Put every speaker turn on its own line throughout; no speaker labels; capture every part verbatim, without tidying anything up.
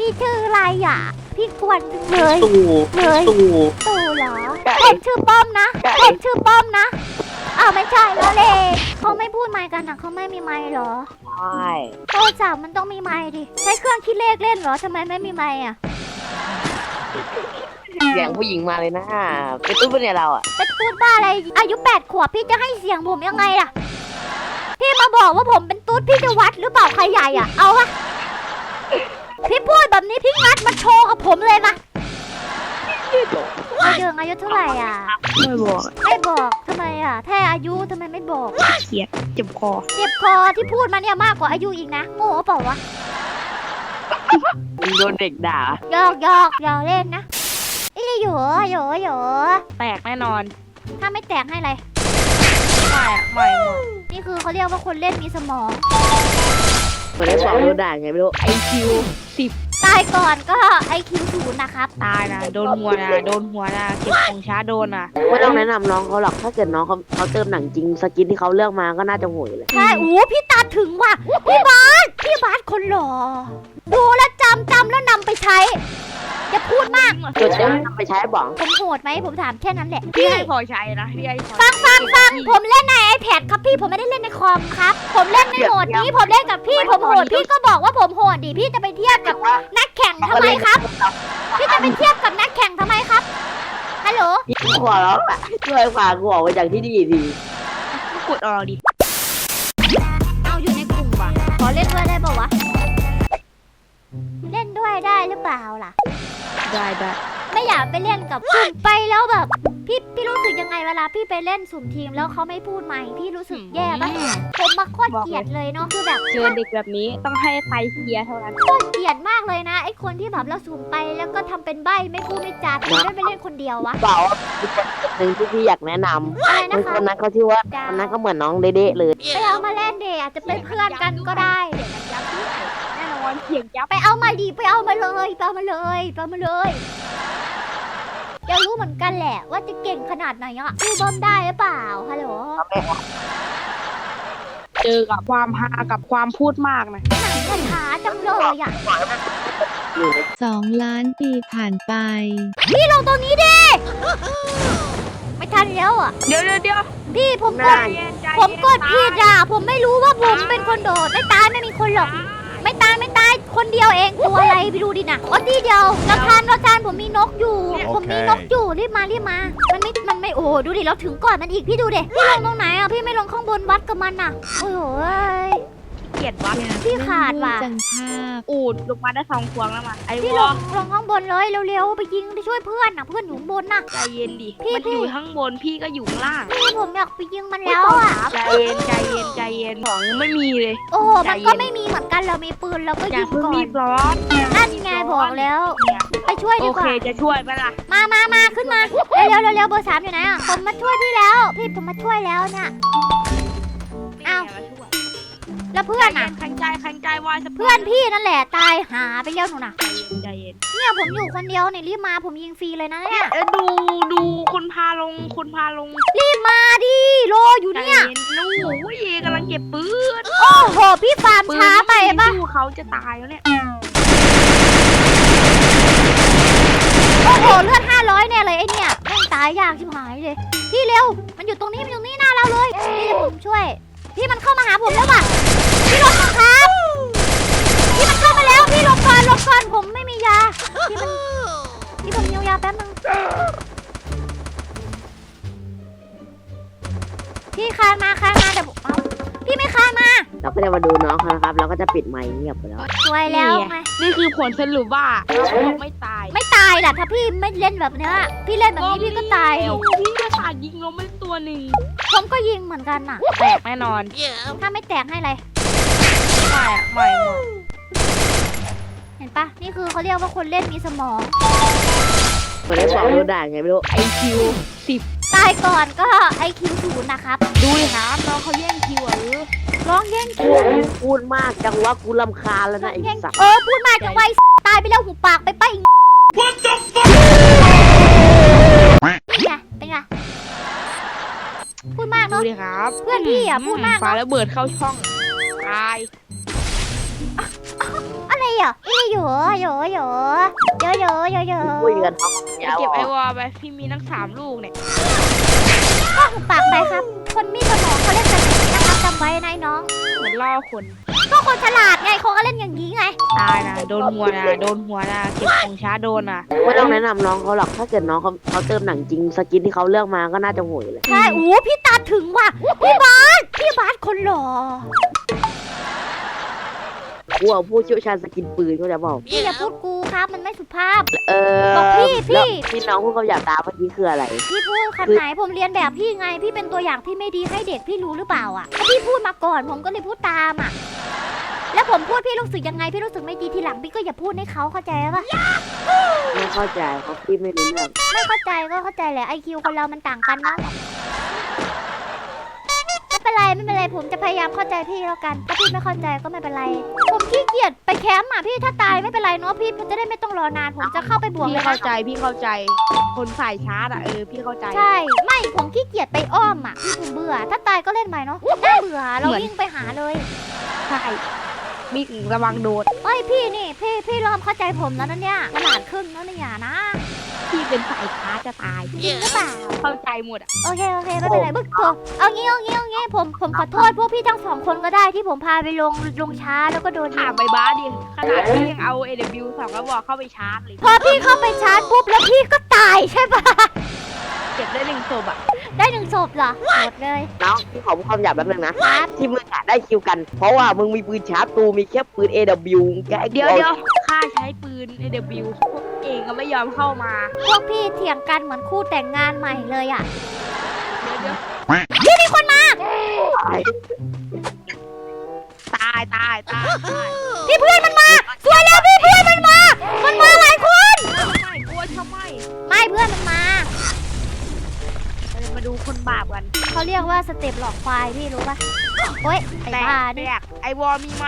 พี่ชื่ออะไรอ่ะพี่กวนจังเลย
ตู่
เลย
ตู่
ตู่เหรอผมชื่อป้อมนะผมชื่อป้อมนะอ้าวไม่ใช่แล้วเลยเขาไม่พูดไมค์กันนะเขาไม่มีไมค์เหรอ
ใช่
โทรศัพท์มันต้องมีไมค์ดิใช้เครื่องคิดเลขเล่นเหรอทำไมไม่มีไมค์อ่ะ
เสียงผู้หญิงมาเลยนะเป็นตู้เป็นเนี่ยเราอ่ะ
เป็นตุ๊ดบ้าอะไรอายุแปดขวบพี่จะให้เสียงผมยังไงล่ะพี่มาบอกว่าผมเป็นตุ๊ดพี่จะวัดหรือเปล่าใครใหญ่อ่ะเอาวะพี่พูดแบบนี้พี่งัดมาโชว์กับผมเลยมาอายุอายุเท่าไหร่อ่ะ
ไม่บอก
ไม่บอกทำไมอ่ะแค่อายุทำไมไม่บอก
เขียดเจ็บคอ
เจ็บคอที่พูดมาเนี่ยมากกว่าอายุอีกนะโง่เปล่าวะ
โดนเด็กด่า
หยอกหยอกหยอกเล่นนะอีหยูหยูหยู
แตกแน่นอน
ถ้าไม่แตกให้อะไร
ไม่อะไม่หมด
นี่คือเขาเรียกว่าคนเล่นมีสมอง
เหมือนได้สอนโดนด่าไงไม่รู้
ไอคิวสิบ
ตายก่อนก็ไอคิวศูนย์นะครับ
ตายนะโดนหัวนะโดนหัวนะเก็บของช้าโดนอ่ะ
ไม่ต้องแนะนำน้องเขาหรอกถ้าเกิดน้องเขาเขาเติมหนังจริงสกินที่เขาเลือกมาก็น่าจะโหยเลย
ใช่โอ้พี่ตาถึงว่ะพี่บาสพี่บาสคนหล่อดูแลวจำจำแล้วนำไปใช้อย่าพูดมาก
จดจำนำไปใช้บ้อง
ผมโหดไหมผมถามแค่นั้นแหละ
พี่
พี่
ให้พอใช้นะพี่ให้พอ
ฟังฟังฟังผมเล่นใน iPad ครับพี่ผมไม่ได้เล่นในคอมครับผมเล่นในโหมดนี้ผมเล่นกับพี่ผมโหดพี่ก็บอกว่าผมโหดดิพี่จะไปเทียบกับนักแข่งทำไมครับ พี่จะไปเทียบกับนักแข่งทำไมครับฮัลโหล
ขอร้องอ่ะช่วยฝากกูออกไปจากที่นี่ดี
กดออกดิ
เอาอยู่ในกลุ่มว่ะขอเล่นด้วยได้ป่าวะเล่นด้วยได้หรือเปล่าล่ะ
ได้ได้
ไม่อยากไปเล่นกับสุ่มไปแล้วแบบพี่พี่รู้สึกยังไงเวลาพี่ไปเล่นสุ่มทีมแล้วเขาไม่พูดไหมพี่รู้สึกแย่ปะผมมาโคตรเกลียดเลยเนาะคือแบบ
เจอเด็กแบบนี้ต้องให้ไฟเสียเท่านั้น
โคตรเกลียดมากเลยนะไอ้คนที่แบบเราสุ่มไปแล้วก็ทำเป็นใบ้ไม่พูดไม่จาทำไมไม่ไปเล่นคนเดียววะ
ๆเปล่ามีคนหนึ่งที่พี่อยากแนะน
อะไร
ำ
นะ
คน
คะ
คนนั้นเขาชื่อว่าคนนั้นก็เหมือนน้องเด๊ะเลย
ไปเอามาเล่นเดอาจจะเป็นเพื่อนกันก็ได้
ยับด้วยแน่นอนเสียงยับ
ไปเอามาดีไปเอามาเลยไปเอามาเลยไปเอามาเลยอยากรู้เหมือนกันแหละว่าจะเก่งขนาดไหนอ่ะพี่บอมได้หรือเปล่าฮัลโหล
เจอกับความฮากับความพูดมากนะ
หนังกระถาจังเลยอ่ะ
สองล้านปีผ่านไป
พี่ลงตรงนี้ดิไม่ทันแล้วอ่ะ
เดี๋ยวเดี๋ยวเดี๋ยว
พี่ผมก
ใจ
ด
เย็นใจ
ผม
เย็น
กดผิดอ่ะผมไม่รู้ว่าผมเป็นคนโดดไม่ตายไม่มีคนหรอก ไม่ตายไม่ตายคนเดียวเองตัวอะไรไปดูดินะอ๋อทีเดียวเราทานเราทานผมมีนกอยู่ ผมมีนกอยู่รีบมารีบมา มันไม่มันไม่โอ้ดูดิเราถึงก่อนมันอีกพี่ดูดิพี่ลงตรงไหนอ่ะพี่ไม่ลงข้างบนวัดกับมันอ่ะโอ้โห
เกลียดวัด
พี่ขาดว่ะ
จังภาพ
อูดลงมาได้สองพวงแล้วมาไอ้
พี่
ว
ล
อง
ลงข้างบนเลยเร็วๆไปยิงไปช่วยเพื่อนน่ะเพื่อนอยู่ข้างบนน่ะ
ใจเย็นดิ
พี่
มัน
พี่
อยู่ข้างบนพี่ก็อยู่ข้างล่าง
พี่ผมอยากไปยิงมันแล้วอ่ะ
ใจเย็นใจเย็นใจเย็นของยังไม่มีเลย
โอ้โหมันก็ไม่มีเหมือนกันเรามีปืนเราก็
อย่า
ยิง
เพิ่ง
ก่อ
รี
น
บร้อน
นั่นไงบอกแล้ว ไปช่วย
โอ
ดีก
เค
ว่า
จะช่วยไหมล่ะ
มามามาขึ้นมา เร็วเร็วเร็วเบอร์สามอยู่ไหนอ่ะ ผมมาช่วยพี่แล้ว พี่ผมมาช่วยแล้วเนี่ย อ้าว แล้วเพื่อนอ่ะ
ขันใจขันใจวายสะ
เพื่อนพี่นั่นแหละตายหาไปเร็วหนูน่ะ
ใจเย็น
เนี่ยผมอยู่คนเดียวเนี่ยรีบมาผมยิงฟรีเลยนะเนี่ย
เออดูดูคนพาลงคนพาลง
รีบมาดิรออยู่
ใจ
เนี่ย
เย็นนู่โอ้ยกำลังเก็บปืน
โอ้โห พี่ฟาร์ม
ปืน
ช้าไปปะ
สู้เขาจะตายแล้วเนี่ย
โอ้โห เลือดห้าร้อยเนี่ยเลยไอเนี่ยแม่งตายยากชิบหายเลย พี่เร็ว มันอยู่ตรงนี้ มันอยู่นี่หน้าเราเลย พี่จะผมช่วย พี่มันเข้ามาหาผมแล้วว่ะ พี่ลงมาครับ พี่มันเข้ามาแล้ว พี่หลบก่อนหลบก่อนผมไม่มียา พี่มัน พี่ผมเยียวยาแป๊บนึง พี่คานมาคานมาเดี๋ยวผมเอาพี่ไม่คานมา
เราก็จะมาดูน้องเขานะครับเราก็จะปิดไมค์เงียบไปแล้ว
สวยแล้วไง
นี่คือผลสรุปว่าเขาไม่ตาย
ไม่ตายล่ะถ้าพี่ไม่เล่นแบบเนี้ยพี่เล่นแบบนี้พี่ก็ตายดิ
พี่ก็ตายยิงลงไปตัวหนึ่ง
ผมก็ยิงเหมือนกันน่ะ
แตกแน่นอน
ถ้าไม่แตกให้อะไร
ไม่อะไม่หมด
เห็นปะนี่คือเขาเรียกว่าคนเล่นมีสมอง
เหมือนได้สอนโดนด่าไงไม่รู้
ไอคิวสิบ
ตายก่อนก็ไอคิวศูนย์นะครับ
ดูดิครับน้องเขาแย่งคิวอ่ะเออ
ร้องแย่งคิว
พูดมากจังว่ากูรำคาญแล้วนะไอ้
แย่ง
สัตว์
เออพูดมาจังไวตายไปแล้วหูปากไปไปอีกนี่ไงเป็นไงพูดมาก
ดู
เนาะ
ดิครับ
เพื่อนพี่อ่ะพูดมาก
ฟ้า
เนาะ
ระเบิดเข้าช่องตาย
อะไรเหรออีลี่อยู่อยู่อยู่อยู่อยู่อยู่อยู่
คุยกันท้องยาว
เก็บไอวอลไปพี่มีทั้งสามลูกเนี่ย
ก็หุบปากไปครับ คนมีสมองเขาเล่นกันอย่างนี้นะครับจำไว้นายน้อง
เหมือนล่อคน
ก็คนฉลาดไงเขาก็เล่นอย่างนี้ไง
ตายนะโดนหัวนะโดนหัวนะเก็บของช้าโดนอ่ะ
ไม่ต้องแนะนำน้องเขาหรอกถ้าเกิดน้องเขาเขาเติมหนังจริงสกินที่เขาเลือกมาก็น่าจะโหยเลย
ใช่โอ้พี่ตาถึงว่ะพี่บาสพี่บาสคนหล่อ
กูเอาผู้เชี่ยวชาญสกินปืนเขาจะบอก
พี่อย่าพูดกูครับมันไม่สุภาพ
เออ
บอกพี่พี่
แล้วที่น้องพูดคำหยาบตาเมื่อกี้คืออะไร
พี่พูดคำไหนผมเรียนแบบพี่ไง พี่เป็นตัวอย่างที่ไม่ดีให้เด็กพี่รู้หรือเปล่าอ่ะถ้าพี่พูดมาก่อนผมก็เลยพูดตามอ่ะ แล้วผมพูดพี่รู้สึกยังไงพี่รู้สึกไม่ดีทีหลังพี่ก็อย่าพูดให้เขาเข้าใจปะ
ไม่เข้าใจเพราะพี่ไม่รู้เรื่อง
ไม่เข้าใจก็เข้าใจแหละไอคิวคนเรามันต่างกันเนาะไม่เป็นไรไม่เป็นไรผมจะพยายามเข้าใจพี่แล้วกันถ้าพี่ไม่เข้าใจก็ไม่เป็นไร ผมขี้เกียจไปแคมป์อ่ะพี่ถ้าตายไม่เป็นไรเนาะพี่จะได้ไม่ต้องรอนานผมจะเข้าไปบวก
พี่
เลย
เข้า
นะ
ใจพี่เข้าใจ คนใส่ชาร์จอ่ะเออพี่เข้าใจ
ใช่ไม่ผมขี้เกียจไปอ้อมอ่ะพี่ผมเบื่อ ถ้าตายก็เล่นใหม่เนาะน่าเบื่อเราวิ่งไปหาเลย
ใช่มีระวังโดน
เอ้ยพี่นี่พี่พี่เริ่มเข้าใจผมแล้วนะเนี่ยขนาดครึ่งแล้วเนี่ยนะ
พี่เป็นสายชาร์จจะตาย
จริงหรือเปล่า
เข้าใจหมดอ่ะ
โอเคโอเคไม่เป็นไรบึกโกเอางี้เอางี้เอางี้ผมผมขอโทษพวกพี่ทั้งสองคนก็ได้ที่ผมพาไปลงลงช้าแล้วก็โดน
ถามไปบ้าดิขนาดพี่ยังเอา เอ ดับเบิลยู สองกระบอกเข้าไปชาร์จเลย
พอพี่เข้าไปชาร์จปุ๊บแล้วพี่ก็ตายใช่ปะ
เก็บได้หนึ่งศพอ่ะ
ได้หนึ่งศพเหรอหมดเลย
น้องพี่ขอพูดคำหยาบแป๊บนึงนะครับ ที่มึงอะได้คิวกัน เพราะว่ามึงมีปืนชาร์จตูมีแค่ปืน เอ ดับเบิลยู แกไอ้
เดี๋ยวเดี๋ยวข้าใช้ปืน เอ ดับเบิลยู พวกเองก็ไม่ยอมเข้ามา
พวกพี่เถียงกันเหมือนคู่แต่งงานใหม่เลยอ่ะ
เดี๋ยวเดี๋ยว
พี่มีคนมา
ตายตายตายตาย
พี่เพื่อนมันมาสวยแล้วพี่เพื่อนมันมามันมาหลายคน
ทำไมกลัวทำไม
ไม่เพื่อนมันมา
เราจะมาดูคนบาปกัน
เขาเรียกว่าสเต็ปหลอกควายพี่รู้ปะโอ๊ยไอ้
แต
บ้าก นี่
แตกไอวอลมีไหม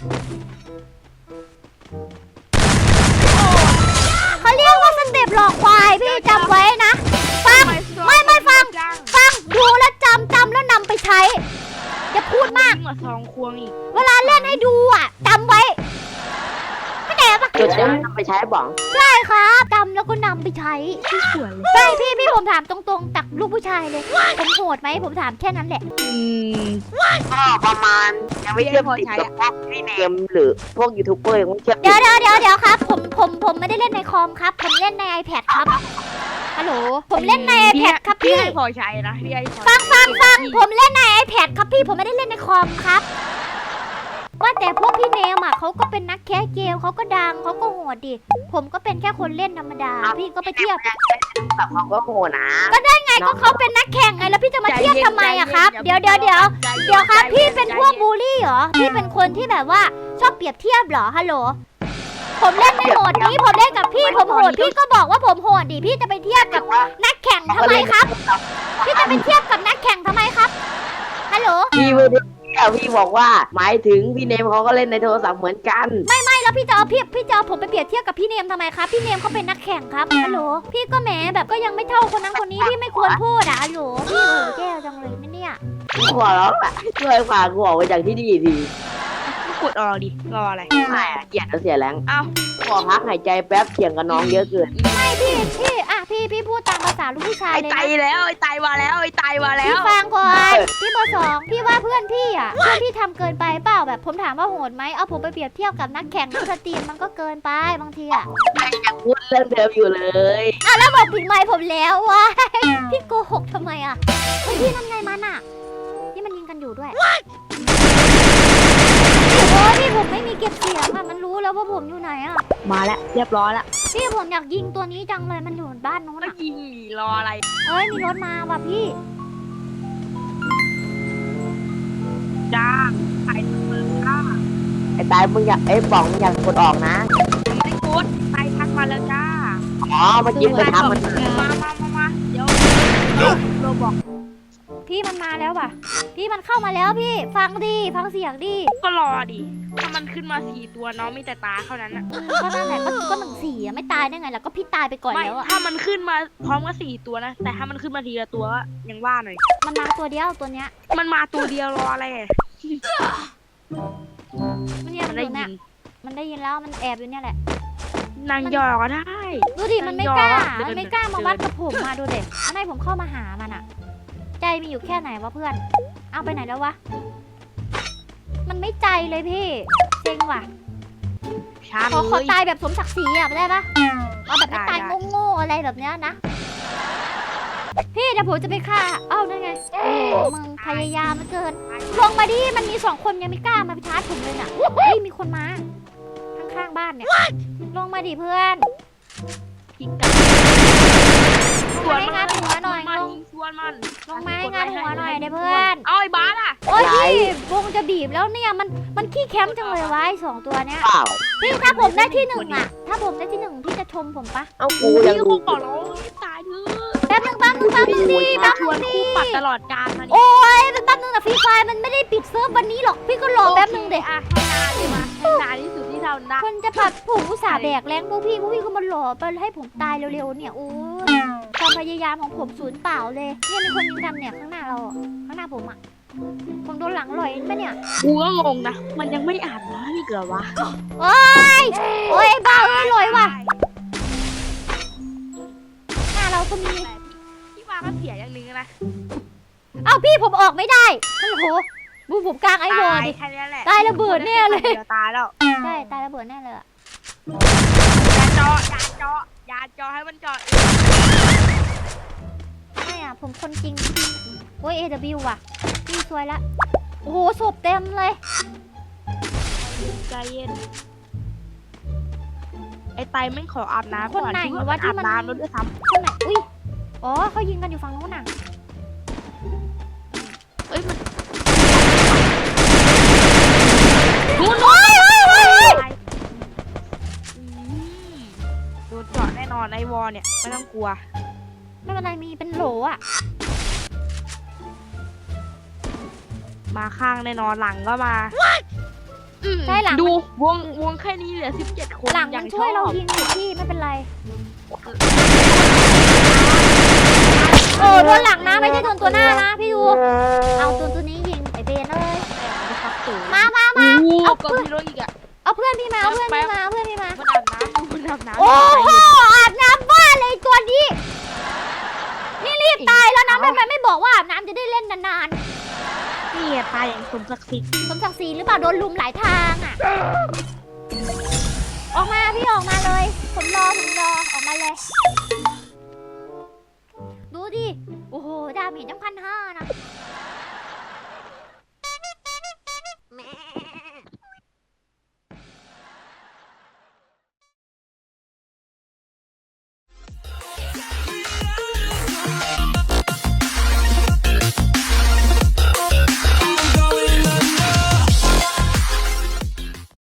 เขาเรียกว่าสเต็ปหลอกควายพี่จำไว้นะฟังไม่ไม่ฟัง
จัง
ฟังดูแล้วจำจำแล้วนำไปใช้อย่าพูดมาก
ยิ่งกว่าซองควงอีก
เวลาเล่นให้ดูอ่ะจำไว้ไม่แน่ปะ
จุดนี้นำไปใช้บอก
ใช่ครับจำแล้วก็นำไปใช้
ที่สวนเลย
ใช่พี่พี่ผมถามตรงๆจากลูกผู้ชายเลยผมโหดไหมผมถามแค่นั้นแหละ
อืม
ก็ประมาณยังไม่เชื่อมติดกับพวกพี่เนมหรือพวกยูทูบเบอร์ยังไม่เชื่อมติ
เดี๋ยว
ด
เดี๋ยวเดี๋ยวเดี๋ยวครับผมผมผมไม่ได้เล่นในคอมครับ ผมเล่นใน iPad ครับฮัลโหลผมเล่นใน iPad ครับ
พี่
พี่
ให้พอใช้นะพี่ให้พอ
ฟังฟังฟังผมเล่นใน iPad ครับพี่ผมไม่ได้เล่นในคอมครับว่าแต่พวกพี่เนมอ่ะเขาก็เป็นนักแคสเกมเขาก็ดังเขาก็โหดดิผมก็เป็นแค่คนเล่นธรรมดา พี่ก็ไปเทียบ
แบบเขาก็โหนะ
ไงก็เขาเป็นนักแข่งไงแล้วพี่จะมาเทียบทำไมอะครับเดี๋ยวเดี๋ยวเดี๋ยวเดี๋ยวครับพี่เป็นพวกบูลลี่เหรอพี่เป็นคนที่แบบว่าชอบเปรียบเทียบเหรอฮัลโหลผมเล่นในโหมดนี้ผมเล่นกับพี่ผมโหดพี่ก็บอกว่าผมโหดดิพี่จะไปเทียบกับนักแข่งทำไมครับ พี่จะไปเทียบกับนักแข่งทำไมครับฮัลโหล
พี่ไม่ได้พี่บอกว่า หมายถึงพี่เนมเขาก็เล่นในโทรศัพท์เหมือนกัน
ไม่ไม่แล้วพี่จะเอาพี่พี่จะเอาผมไปเปรียบเทียบกับพี่เนมทำไมครับพี่เนมเขาเป็นนักแข่งครับฮัลโหลพี่ก็แหมแบบก็ยังไม่เท่าคนนั้นคนนี้พี่ไม่ควรพูดอะฮัลโหลพี่โอ้แก้วจังเลยไม่เนี่ย
หัวเราะแหละช่วยพากูออกไปจากที่นี่ที
กดออกดิรออะไร
ไม่อะเกลียดแล้วเสียแรง
เอ้า
ขอพักหายใจแป๊บเถียงกับน้องเยอะเกิน
ไม่พี่พี่อ่ะพี่พี่พูดตามภาษาลูกผู้ชาย
ไอ้
เลย
ไต
นะ
แล้วไอ้ไตมาแล้วไอ้ไตมาแล้
พี่
ว
ฟังก่อนพี่เบอร์สองพี่ว่าเพื่อนพี่อ่ะเพื่อนพี่ทำเกินไปเปล่าแบบผมถามว่าโหดไหมเอาผมไปเปรียบเทียบกับนักแข่งนักสตรีมมันก็เกินไปบางทีอ่ะ
ยังพูดเรื่องเดิมอยู่เลย
อ่ะแล้วบอกปิดไมค์ผมแล้ววะพี่โกหกทำไมอ่ะเฮ้ยพี่นั่นไงมันอ่ะนี่มันยิงกันอยู่ด้วยโอ้พี่ผมไม่มีเก็บเสียงอ่ะมันรู้แล้วว่าผมอยู่ไหนอ่ะ
มาแล้วเรียบร้อยแล้ว
พี่ผมอยากยิงตัวนี้จังเลยมันอยู่บ้านโน้น
ก็
อ่ะ
ยิงหนีรออะไร
เฮ้ยมีรถมาว่ะพี่
จ้าไอ้เมืองจ้า
ไอ้ตายมึงอยากไอ้ป๋องมึงอยากกดออกนะ
ไม่ได้กดไตทักมาแล้วจ้า
อ๋อเมื่อกี้ไปทำมัน
มามามามาเดี๋ยวโรบอก
พี่มันมาแล้วว่ะ พี่มันเข้ามาแล้วพี่ ฟังดิฟังเสียงดิ
ก็รอดิถ้ามันขึ้นมาสี่ตัวน้องมีแต่ตาเท่านั้นอะ
ก็นั่นแหละก็ก็หนึ่งสี่อะไม่ตายได้ไงแล้วก็พี่ตายไปก่อน
ไม่
แล้วอะ
ถ้ามันขึ้นมาพร้อมกับสี่ตัวนะแต่ถ้ามันขึ้นมาทีละตัวก็ยังว่าหน่อย
มันมาตัวเดียวตัวเนี้ย
มันมาตัวเดียวรออะไรอะ
มันเนี่ย
มั
มัน น
ได้
อยู่
ยิ
เนี่ย
ง
มันได้ยินแล้วมันแอบอยู่เนี่ยแหละ
นางยอก็ได้
ดูดิมันไม่กล้า
เดิน
มันไม่กล้า
เดิน
มาวัดกับผมมาดูเด็มันให้ผมเข้ามาหามันอะใจมีอยู่แค่ไหนวะเพื่อน เอาไปไหนแล้ววะ มันไม่ใจเลยพี่เซ็งว่ะ
ช้า
ขอขอ
เลย
ตายแบบสมศักดิ์ศรีอะได้ปะเอาแบบไม่
ได้
ตาย
ได้
โง่ๆอะไรแบบเนี้ยนะ พี่เดี๋ยวผมจะไปฆ่า เอ้านั่นไงโอ้โหมึงพยายามเหลือเกิน ลงมาดิ มันมีสองคนยังไม่กล้ามาชาร์จผมเลยน่ะเฮ้ยมีคนมา ข้างๆบ้านเนี่ย ลงมาดิเพื่อน
พิงกัน
ลงมาให้งานหัวหน่อย
มั
ล
น
ง
ชวนมัน
ลงมาให้งานหัวหน่อยเดี๋ยวเพื่อน
เอาไอ้บ้าล่ะ
โอ้ยพี่วงจะบีบแล้วเนี่ยมันมันขี้แคมป์จังเลยวะไอ้สองตัวเนี้ย
เปล่า
พี่ถ้าผมได้ที่หนึ่งอะถ้าผมได้ที่หนึ่งพี่จะชมผมปะ
เอากูยัง
พี่
ดู
คงบอกแล้วว่าตายเถอะ
แป๊บนึงแป๊บนึงแป๊บนึงดิแป๊บ
ช
นึ
วน
งดิ
คู่ปัดตลอดกาลมาดิ
โอ้ยแป๊บนึงนะฟรีไฟมันไม่ได้ปิดเซิร์ฟวันนี้หรอกพี่ก็รอแป๊บนึงเด็
อ่ะให้นานเลยมาให้นานที่สุดที่เราได้
คนจะผัดผมอุตส่าห์แบกแรงพวกพี่พวกพี่ก็มารอไปให้ผมตายเร็วๆเนี่ยโอ้ยความพยายามของผมสูญเปล่าเลยเนี่ยมีคนยิงกันเนี่ยข้างหน้าเราอะข้างหน้าผมอะผมโดนหลังลอยปะเนี่ย
กูก็งงนะ มันยังไม่อาบน้ำอีกเหรอวะ
โอ้ยโอ้ยไอ้บ้าเอ้ยลอยว่ะหน้าเราก็มี
พี่ว่าก็เสียอย่างนึงนะ
เอ้าพี่ผมออกไม่ได้ฮัลโหลบูผมกลางไอ้วอ
ตาย
ดิ
แค่นี้แหละ
ตายระเบิดแน่เลย
ดี๋วตายแล้ว
ใช่ตายระเบิดแน่เลยอะ
อย่าเจาะอย่าเจาะอย่าเจาะให้มันเจาะ
ไม่อะผมคนจริงโอ้ย เอ ดับเบิลยู ว่ะพี่สวยละโอ้โหศพเต็มเลย
ใจเย็น ไอ้ไตไม่ขออาบน้ำ
คนไหน
ก่อ
วะที่
อาบ
มัน
น้ำแล้วด้วยซ้
คนไหนอุ้ยอ๋อเขายิงกันอยู่ฝั่งนู้นน่ะ
ำเอ้ยมัน
นู้นโอ้ยโอ้ยโอ้ยโอ้ย
ตายอืมโดนเจาะแน่นอนไอ้วอเนี่ยไม่ต้องกลัว
ไม่เป็นไรมีเป็นโหลอะ
มาข้างแน่นอนหลังก็มาอืม
ใช่หลัง
ดูวงวงแค่นี้เหลือสิบเจ็ดคน
หลัง
อ
มั
ย่าง
นช่วย
ช
เรา
อบ
ยิงอยู่พี่ไม่เป็นไรโอ้โดนหลังนะไม่ใช่โดนตัวหน้านะพี่ดูเอาตัวตัวนี้ยิงไอเบนเลยมามามา
โอ้
เอา
ก็
เพื่อน
มีรถอีกอะ
เอาเพื่อนพี่มาเอาเพื่อนพี่มาเอาเพื่อนพี่มา
มันอาบน้ำมันอาบน้ำ
โอ้โหอาบน้ำบ้าเลยตัวนี้นี่รีบตายแล้วนะทำไมไม่บอกว่าอาบน้ำจะได้เล่นนาน
นี่ไงตายอย่างสมศักดิ์ศรี
ๆสมศักดิ์ศรีหรือเปล่าโดนลุมหลายทางอ่ะออกมาพี่ออกมาเลยผมรอผมรอออกมาเลย ดูดิโอ้โหดาเมจตั้งพันห้านะ